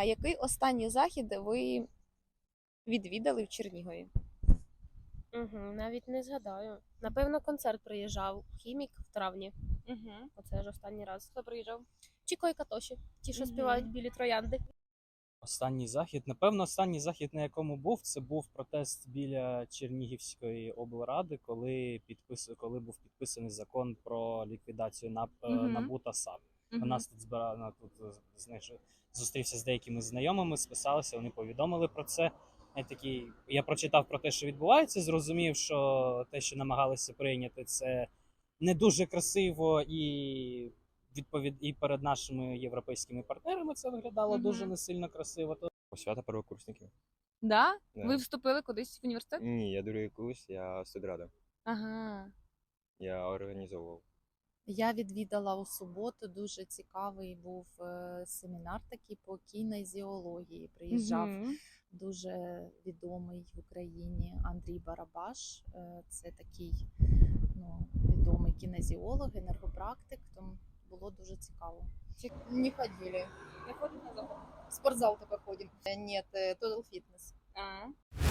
А який останній захід ви відвідали в Чернігові? Навіть не згадаю. Напевно, концерт приїжджав Хімік в травні. Угу. Оце ж останній раз. Хто приїжджав? Чіко і Катоші. Ті, що Мгм. співають білі троянди. Останній захід. Напевно, останній захід, на якому був, це був протест біля Чернігівської облради, коли був підписаний закон про ліквідацію Мгм. НАБУ та САП. У нас тут зустрівся з деякими знайомими, списалися, вони повідомили про це. Я прочитав про те, що відбувається, зрозумів, що те, що намагалися прийняти, це не дуже красиво і перед нашими європейськими партнерами це виглядало Мгм. дуже не сильно красиво. Свята первокурсників. Да? Да. Ви вступили кудись в університет? Ні, я другий курс, я студрада. Ага. Я організовував. Я відвідала у суботу, дуже цікавий був семінар такий по кінезіології. Приїжджав Мгм. дуже відомий в Україні Андрій Барабаш. Це такий відомий кінезіолог, енергопрактик, тому було дуже цікаво. Не ходили. Не ходим на заход? В спортзал только ходим. Ні, Total Fitness. А.